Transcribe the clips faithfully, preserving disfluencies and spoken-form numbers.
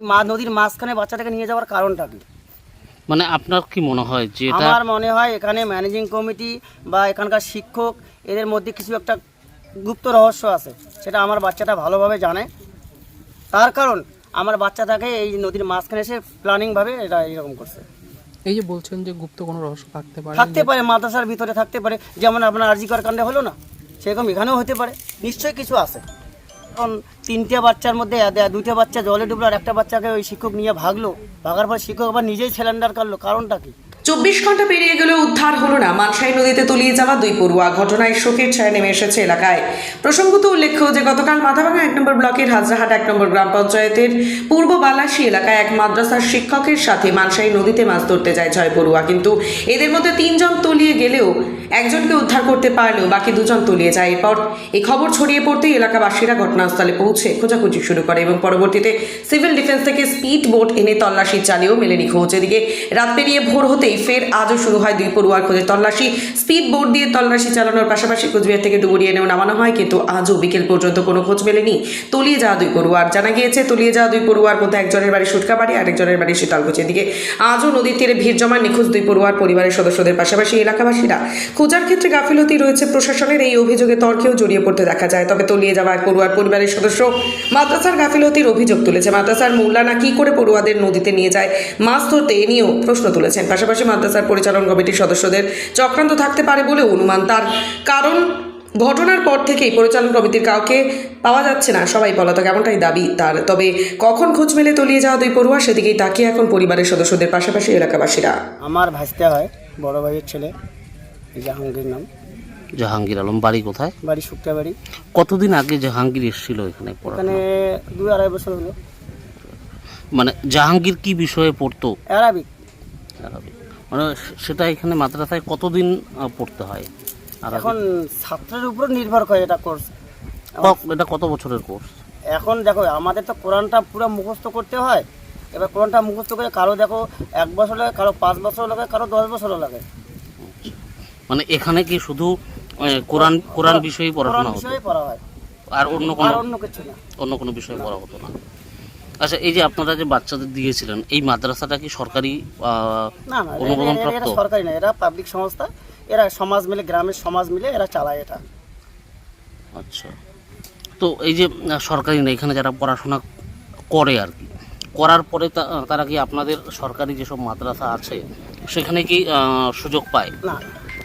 মা নদীর মাঝখানে বাচ্চাটাকে নিয়ে যাওয়ার কারণটা কি? মানে আপনার কি মনে হয় যে এটা আমার মনে হয় এখানে ম্যানেজিং কমিটি বা এখানকার শিক্ষক এদের মধ্যে কিছু একটা গুপ্ত রহস্য আছে, সেটা আমার বাচ্চাটা ভালোভাবে জানে। তার কারণ আমার বাচ্চাটাকে এই নদীর মাঝখানে এসে প্ল্যানিংভাবে এটা এরকম করছে। এই যে বলছেন যে গুপ্ত কোনো রহস্য থাকতে পারে, থাকতে পারে, মাদ্রাসার ভিতরে থাকতে পারে, যেমন আপনার আরজিকর কাণ্ডে হলো না, সেরকম এখানেও হতে পারে, নিশ্চয়ই কিছু আছে। এখন তিনটে বাচ্চার মধ্যে দুইটা বাচ্চা জলে ডুবলো আর একটা বাচ্চাকে ওই শিক্ষক নিয়ে ভাগলো, ভাগার পর শিক্ষক আবার নিজেই সিলিন্ডার কাটলো, কারণটা কি? চব্বিশ ঘন্টা পেরিয়ে গেলেও উদ্ধার হলো না মানসাই নদীতে তলিয়ে যাওয়া দুই পড়ুয়া। ঘটনায় শোকের ছায়া নেমে এসেছে এলাকায়। প্রসঙ্গত উল্লেখ্য যে গতকাল মাথাভাঙা এক নম্বর ব্লকের হাজরাহাট এক নম্বর গ্রাম পঞ্চায়েতের পূর্ব বালাসী এলাকায় এক মাদ্রাসার শিক্ষকের সাথে মানসাই নদীতে মাছ ধরতে যায় ছয় পড়ুয়া, কিন্তু এদের মধ্যে তিনজন তলিয়ে গেলেও একজনকে উদ্ধার করতে পারলেও বাকি দুজন তলিয়ে যায়। এরপর এই খবর ছড়িয়ে পড়তেই এলাকাবাসীরা ঘটনাস্থলে পৌঁছে খোঁজাখুঁজি শুরু করে এবং পরবর্তীতে সিভিল ডিফেন্স থেকে স্পিড বোট এনে তল্লাশি চালিয়েও মেলেনি খোঁজ। এদিকে রাত পেরিয়ে ভোর হতেই ফের আজও শুরু হয় দুই পড়ুয়ার খোঁজে তল্লাশি। স্পিড বোট দিয়ে তল্লাশি চালানোর পাশাপাশি কোচবিহার থেকে ডুবুরি এনেও নামানো হয়, কিন্তু আজও বিকেল পর্যন্ত কোনো খোঁজ মেলেনি তলিয়ে যাওয়া দুই পড়ুয়ার। জানা গিয়েছে তলিয়ে যাওয়া দুই পড়ুয়ার মধ্যে একজনের বাড়ি সুটকাবাড়ি, আরেকজনের বাড়ি শীতলকুচি। এদিকে আজও নদীর তীরে ভিড় জমা নিখোঁজ দুই পড়ুয়ার পরিবারের সদস্যদের পাশাপাশি এলাকাবাসীরা। খোঁজার ক্ষেত্রে গাফিলতি রয়েছে প্রশাসনের, এই অভিযোগে তর্কেও জড়িয়ে পড়তে দেখা যায়। তবে তলিয়ে যাওয়া এক পড়ুয়ার পরিবারের সদস্য মাদ্রাসার গাফিলতির অভিযোগ তুলেছে। মাদ্রাসার মৌলানা কি করে পড়ুয়াদের নদীতে নিয়ে যায় মাছ ধরতে, এ নিয়েও প্রশ্ন তুলেছেন। পাশাপাশি মাদ্রাসার পরিচালন কমিটির সদস্যদের চক্রান্ত থাকতে পারে বলেও অনুমান তার। কারণ ঘটনার পর থেকেই পরিচালন কমিটির কাউকে পাওয়া যাচ্ছে না, সবাই পলাতক, এমনটাই দাবি তার। তবে কখন খোঁজ মেলে তলিয়ে যাওয়া দুই পড়ুয়া সেদিকেই তাকিয়ে এখন পরিবারের সদস্যদের পাশাপাশি এলাকাবাসীরা। আমার ভাসতে হয় বড় ভাইয়ের ছেলে, জাহাঙ্গীর নাম। জাহাঙ্গীর আলম, বাড়ি কোথায়? বাড়ি শুক্তাবাড়ি। কতদিন আগে জাহাঙ্গীর এসেছিল এখানে এখানে পড়াশোনা? দুই আড়াই বছর হলো। মানে জাহাঙ্গীর কি বিষয়ে পড়তো? অ্যারাবিক। আরবিক। মানে সেটা এখানে মাদ্রাসায় কতদিন আহ, পড়তে হয়? আরবিক। এখন ছাত্রের উপর নির্ভর করে এটা কোর্স। ক- এটা কত বছরের কোর্স? এখন দেখো আমাদের তো কোরআনটা পুরো মুখস্থ করতে হয়। এবার কোরআনটা মুখস্থ করে কারো দেখো এক বছর লাগে, কারো পাঁচ বছর লাগে, কারো দশ বছরও লাগে। মানে এখানে কি শুধু আহ, কোরআন কোরআন বিষয়ে কোরআন পড়াশোনা হতো, বিষয়ে পড়া হয়, আর অন্য কোনো আর অন্য কিছু না। অন্য কোনো বিষয়ে পড়া হতো না? আচ্ছা, এই যে আপনারা যে বাচ্চাদের দিয়েছিলেন, এই মাদ্রাসাটা কি সরকারি আহ, না না, অনুমোদন এরা- প্রাপ্ত? এরা সরকারি না, এরা পাবলিক সংস্থা। এরা সমাজ মিলে, গ্রামের সমাজ মিলে এরা চালায় এটা। আচ্ছা, তো এই যে আহ, সরকারি না, এখানে যারা পড়াশোনা করে আর কি, করার পরে তা- তারা কি আপনাদের সরকারি যেসব মাদ্রাসা আছে সেখানে কি আহ, সুযোগ পায়? না,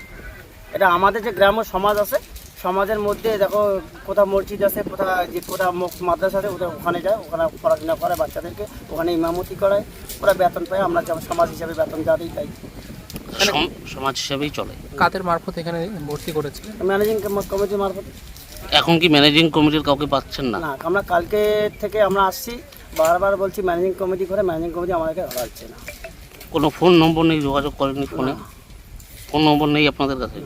এটা আমাদের যে গ্রাম্য সমাজ আছে, সমাজের মধ্যে দেখো কোথাও মসজিদ আছে, কোথাও যে কোথাও মক- মাদ্রাসা আছে, ওটা ওখানে যায়, ওখানে পড়াশোনা করে বাচ্চাদেরকে, ওখানে ইমামতি করায়, ওরা বেতন পায়। আমরা যেমন সমাজ হিসাবে বেতন যা দিই তাই। সম- সমাজ হিসাবেই চলে। কাদের মারফত এখানে ভর্তি করেছিলেন? ম্যানেজিং কমিটির মারফত। এখন কি ম্যানেজিং কমিটির কাউকে পাচ্ছেন না? না, আমরা কালকে থেকে আমরা আসছি, বারবার বলছি ম্যানেজিং কমিটি করে, ম্যানেজিং কমিটি আমাদেরকে ধরা হচ্ছে না। কোনো ফোন নম্বর নেই, যোগাযোগ করেননি ফোনে? না। ফোন নম্বর নেই আপনাদের কাছে?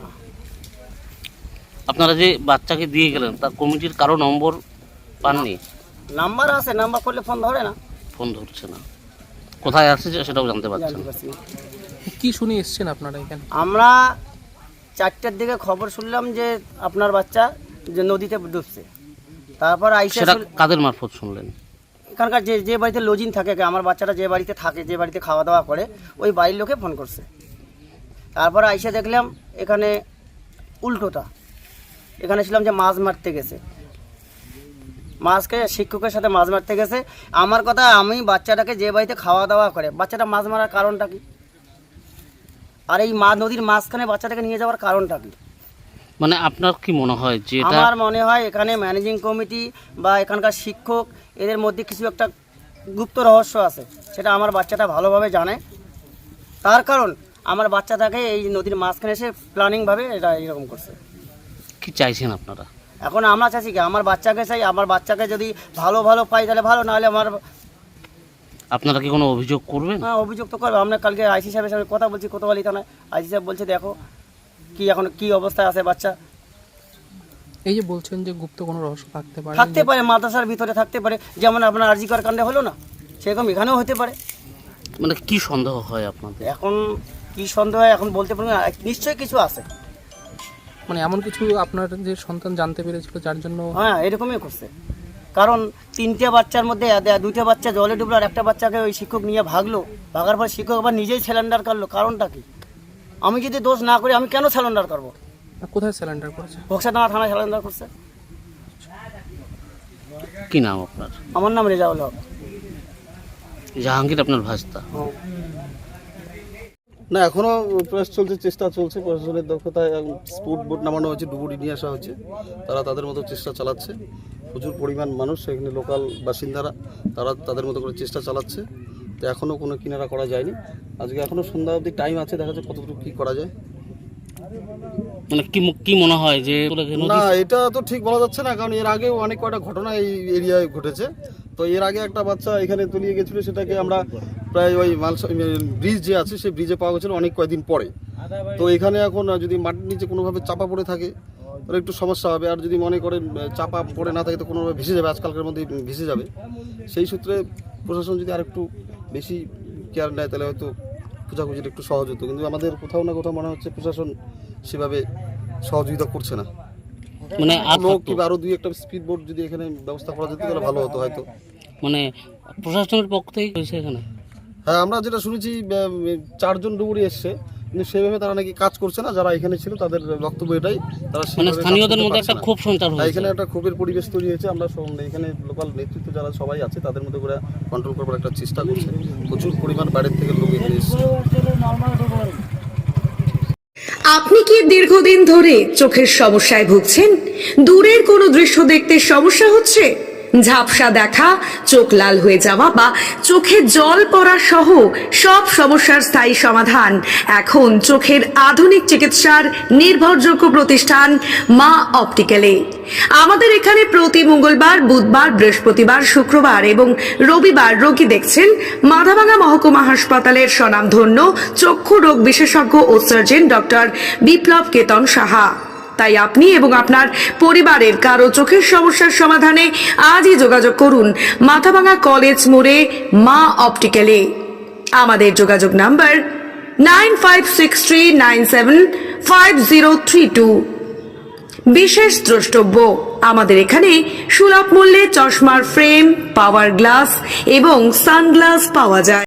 আপনারা যে বাচ্চাকে দিয়ে গেলেন তার কমিটির কারো নম্বর পাননি? নাম্বার আছে, নাম্বার করলে ফোন ধরে না। ফোন ধরছে না, কোথায় আসছে সেটাও জানতে পারছেন জানতে না। পারছি না। কি শুনে এসেছেন আপনারা এখানে? আমরা চারটের দিকে খবর শুনলাম যে আপনার বাচ্চা যে নদীতে ডুবছে। তারপর আইসা সেটা শুন- কাদের মারফত শুনলেন? এখানকার যে যে বাড়িতে লজিং থাকে, আমার বাচ্চাটা যে বাড়িতে থাকে, যে বাড়িতে খাওয়া দাওয়া করে, ওই বাড়ির লোকে ফোন করছে। তারপর আইসা দেখলাম এখানে উল্টোটা, এখানে ছিলাম যে মাছ মারতে গেছে, মাছকে শিক্ষকের সাথে মাছ মারতে গেছে। আমার কথা, আমি বাচ্চাটাকে যে বাড়িতে খাওয়া দাওয়া করে, বাচ্চাটা মাছ মারার কারণটা কি? আর এই মা নদীর মাঝখানে বাচ্চাটাকে নিয়ে যাওয়ার কারণটা কি? মানে আপনার কি মনে হয় যে এটা আমার মনে হয় এখানে ম্যানেজিং কমিটি বা এখানকার শিক্ষক এদের মধ্যে কিছু একটা গুপ্ত রহস্য আছে, সেটা আমার বাচ্চাটা ভালোভাবে জানে। তার কারণ আমার বাচ্চাটাকে এই নদীর মাঝখানে এসে প্ল্যানিংভাবে এটা এরকম করছে। কি চাইছেন আপনারা? এখন আমরা চাইছি কি, আমার বাচ্চাকে চাই, আমার বাচ্চাকে যদি ভালো ভালো পাই তাহলে ভালো, নাহলে আমার আপনারা কি কোনো অভিযোগ করবেন? হ্যাঁ, অভিযোগ তো করবো। আমরা কালকে আইসি সাহেবের সঙ্গে কথা বলছি কোতোয়ালি থানায়। আইসি সাহেব বলছে দেখো কি এখন কি অবস্থায় আছে বাচ্চা। এই যে বলছেন যে গুপ্ত কোনো রহস্য থাকতে পারে, থাকতে পারে, মাদ্রাসার ভিতরে থাকতে পারে, যেমন আপনার আরজিকর কাণ্ডে হলো না, সেরকম এখানেও হতে পারে। মানে কি সন্দেহ হয় আপনাদের? এখন কি সন্দেহ হয় এখন বলতে পারবো না, নিশ্চয়ই কিছু আছে। মানে এমন কিছু আপনার যে সন্তান জানতে পেরেছিল যার জন্য? হ্যাঁ, এরকমই করছে। কারণ তিনটে বাচ্চার মধ্যে এ- দুইটা বাচ্চা জলে ডুবলো আর একটা বাচ্চাকে ওই শিক্ষক নিয়ে ভাগলো, ভাগার পর শিক্ষক আবার নিজেই সিলিন্ডার করলো, কারণটা কি? আমি যদি দোষ না করি আমি কেন সিলিন্ডার করবো? আর কোথায় সিলিন্ডার করেছে? বক্সাডাঙ্গা থানায় সিলিন্ডার করছে। কি নাম আপনার? আমার নাম রেজাউল হক। জাহাঙ্গীর আপনার ভাস্তা। হ্যাঁ। না, এখনো প্রয়াস চলছে, চেষ্টা চলছে। প্রশাসনের দক্ষতায় স্পুট বোট নামানো হয়েছে, ডুবুরি নিয়ে আসা হচ্ছে, তারা তাদের মতো চেষ্টা চালাচ্ছে। প্রচুর পরিমাণ মানুষ এখানে লোকাল বাসিন্দারা, তারা তাদের মতো করে চেষ্টা চালাচ্ছে। তো এখনও কোনো কিনারা করা যায়নি। আজকে এখনও সন্ধ্যা অবধি টাইম আছে, দেখা যাচ্ছে কতটুকু কী করা যায়। মানে কি কি মনে হয় যে না, এটা তো ঠিক বলা যাচ্ছে না, কারণ এর আগেও অনেক কয়টা ঘটনা এই এরিয়ায় ঘটেছে। তো এর আগে একটা বাচ্চা এখানে তলিয়ে গেছিলো, সেটাকে আমরা প্রায় ওই মাল ব্রিজ যে আছে সেই ব্রিজে পাওয়া গেছিলো অনেক কয়েকদিন পরে। তো এখানে এখন যদি মাটির নিচে কোনোভাবে চাপা পড়ে থাকে তাহলে একটু সমস্যা হবে, আর যদি মনে করেন চাপা পড়ে না থাকে তো কোনোভাবে ভেসে যাবে, আজকালকার মধ্যে ভেসে যাবে। সেই সূত্রে প্রশাসন যদি আর একটু বেশি কেয়ার নেয় তাহলে হয়তো খোঁজাখুঁজির একটু সহজ হতো, কিন্তু আমাদের কোথাও না কোথাও মনে হচ্ছে প্রশাসন সেভাবে সহযোগিতা করছে না। মানে লোক কিংবা আরো দুই একটা স্পিড বোট যদি এখানে ব্যবস্থা করা যেত তাহলে ভালো হতো হয়তো। মানে প্রশাসনের পক্ষ থেকে হয়েছে এখানে? হ্যাঁ, আমরা যেটা শুনেছি চারজন ডুবুরি এসছে, কিন্তু সেভাবে তারা নাকি কাজ করছে না। যারা এখানে ছিল তাদের বক্তব্য এটাই, তারা মানে সেভাবে কাজ স্থানীয়দের করতে মধ্যে পারছে একটা না। ক্ষোভ সঞ্চার হ্যাঁ, হয়েছে। এখানে একটা ক্ষোভের পরিবেশ তৈরি হয়েছে। আমরা সব- এখানে লোকাল নেতৃত্ব যারা সবাই আছে তাদের মধ্যে করে কন্ট্রোল করবার একটা চেষ্টা করছে। প্রচুর পরিমাণ বাইরের থেকে লোক এখানে এসছে। আপনি কি দীর্ঘদিন ধরে চোখের সমস্যায় ভুগছেন? দূরের কোনো দৃশ্য দেখতে সমস্যা হচ্ছে? ঝাপসা দেখা, চোখ লাল হয়ে যাওয়া বা চোখে জল পড়া সহ সব সমস্যার স্থায়ী সমাধান এখন চোখের আধুনিক চিকিৎসার নির্ভরযোগ্য প্রতিষ্ঠান মা অপটিক্যালে। আমাদের এখানে প্রতি মঙ্গলবার, বুধবার, বৃহস্পতিবার, শুক্রবার এবং রবিবার রোগী দেখছেন মাথাভাঙা মহকুমা হাসপাতালের স্বনামধন্য চক্ষু রোগ বিশেষজ্ঞ ও সার্জন ডক্টর বিপ্লব কেতন সাহা। তাই আপনি এবং আপনার পরিবারের কারো চোখের সমস্যার সমাধানে আজই যোগাযোগ করুন মাথাভাঙা কলেজ মোড়ে মা অপটিক্যালে। আমাদের যোগাযোগ number nine five six three nine seven five zero three two. বিশেষ দ্রষ্টব্য, আমাদের এখানে সুলভ মূল্যে চশমার ফ্রেম, পাওয়ার গ্লাস এবং সানগ্লাস পাওয়া যায়।